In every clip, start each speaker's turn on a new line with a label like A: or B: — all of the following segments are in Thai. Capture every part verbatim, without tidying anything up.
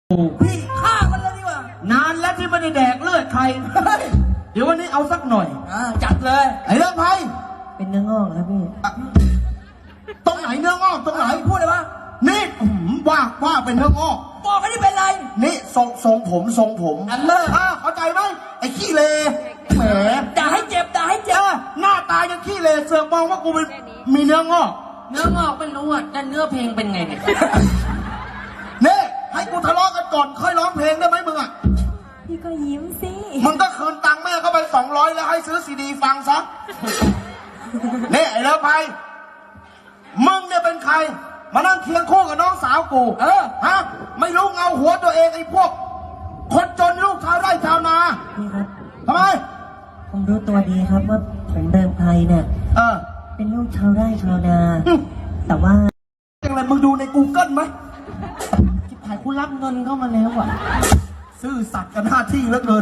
A: พี่ฆ่ามันเลยดีกว่านานแล้วที่ไม่ได้แดกเลือดใคร เดี๋ยววันนี้เอาสักหน่อยอ่าจัดเลยไอ้เรื่องไพ่
B: เป็นเนื้องอกครับพี่
A: ตรงไหนเนื้องอกตรงไหนพูดเลยว่านี่ว่าว่าเป็นเนื้องอกบอกไม่ได้เป็นไรนี่ทรงทรงผมทรงผมอันเลิศเข้าใจไหมไอ้ขี้เลแหมด่าให้เจ็บด่าให้เจ็บหน้าตายังขี้เลเสือกมองว่ากูเป็นมีเนื้องอก
C: เนื้องอกไม่รู้อ่ะแต่เนื้อเพลงเป็นไงเนี่ย
A: นี่ให้กูทะเลาะกันก่อนค่อยร้องเพลงได้ไหมมึงอ่ะ
B: พี่ก็ยิ้มสิ
A: มึงก็คืนตังค์แม่เข้าไปสองร้อยแล้วให้ซื้อซีดีฟังซะนี่ไอ้เลิฟไปมึงเนี่ยเป็นใครมานั่งเคียงคู่กับน้องสาวกูเออฮะไม่รู้เงาหัวตัวเองไอ้พวกคนจนลูกชาวไร่ชาวนา
B: พี่ครับ
A: ทำไม
B: ผมรู้ตัวดีครับว่าผมเดิมไพรเนี่ย
A: เออ
B: เป็นลูกชาวไร่ชาวนาแต่ว่า
A: อย่างไรมึงดูใน กูเกิลไหมที่ผ่านกูรับเงินเข้ามาแล้วอ่ะซื่อสัตย์กับหน้าที่เหลือเกิน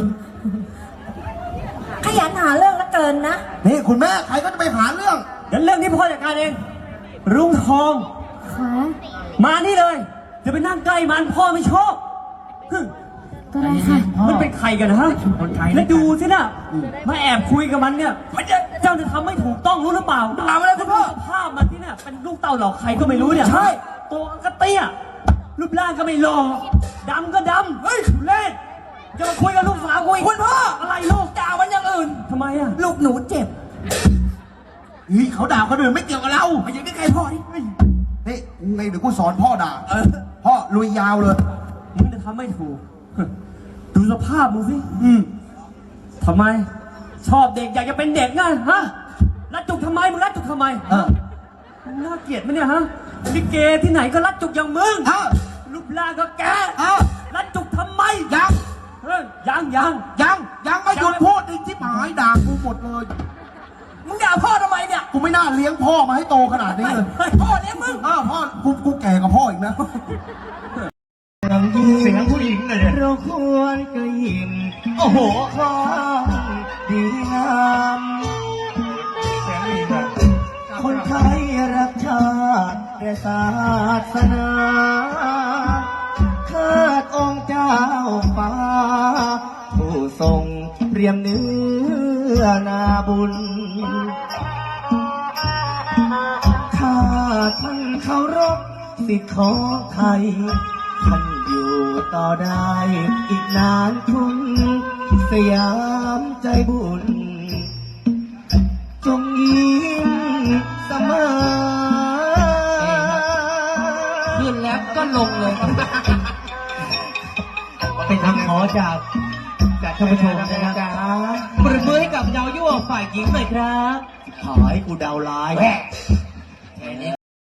B: ขยันหาเรื่องละเกินนะ
A: นี่คุณแม่ใครก็จะไปหาเรื่อง
D: เดี๋ยวเรื่องนี้พ่อจัดการเองรุ่งทอง
B: ค่ะ
D: มานี่เลยจะไปนั่งใกล้มันพ่อไม่ชอบ
B: ก็ได้ค่ะ
D: มันเป็นใครกันฮะแล้วดูสินะมาแอบคุยกับมันเนี่ยเจ้าจะทำไม่ถูกต้องรู้หรือเปล่า
A: ถามอะไรคุณพ่อ
D: ภาพมันที่เนี่ยเป็นลูกเต่าเหล่าใครก็ไม่รู้เนี่ย
A: ใช่
D: ตัวก็เตี้ยรูปร่างก็ไม่หล่อดำก็ดำเฮ้ยเล่นจะมาคุยกับลูกสาวคุย
A: คุณพ่อ
D: อะไรลูก
A: ด่ามันอย่างอื่น
D: ทำไมอะ
A: ลูกหนูเจ็บเฮ้ยเขาด่าคนอื่นไม่เกี่ยวกับเราไม่ใช่ใกล้พ่อนี่นี่ไงเดี๋ยวกูสอนพ่อด่าเออพ่อลุยยาวเลย
D: มึงจะทำไม่ถูกดูสภาพมึงสิ
A: อืม
D: ทำไมชอบเด็กอยากจะเป็นเด็กไงฮะรัดจุกทำไมมึงรัดจุกทำไม
A: เออ
D: น่าเกลียดไหมเนี่ยฮะลิเกที่ไหนก็รัดจุกอย่างมึงรูปร่างก็แกรัดจุกทำไม
A: ยัง
D: เฮ้ยยังยัง
A: ยังยังไม่หยุดพูดอีกที่หมายด่ากูหมดเลยมึงด่าพ่อทำไมเนี่ยกูไม่น่าเลี้ยงพ่อมาให้โตขนาดนี้เลยพ่อเลี้ยงมึงอ้าวพ่อกูกูแก่กับพ่ออีกนะ
D: เสียงผู้หญิงเลยเนี่ย
B: เราควรกระยิม
D: โอ้โห
B: ความดีงามคนไทยรักชาติและศาสนาเทิดองค์เจ้าฟ้าผู้ทรงเปรียมเนื้อนาบุญข้าท่านเคารพสิทธิของไทยท่านอยู่ต่อได้อีกนานคุณสยามใจบุญจงยิ้มเสมอ
C: ขึ้นแล้วก็ลงเลย
D: เป็นคำขอจากจากท่านผู้ชมนะครับปรบมือให้กับดาวยั่วฝ่ายหญิงหน่อยครับ
A: หายกูดาวร้าย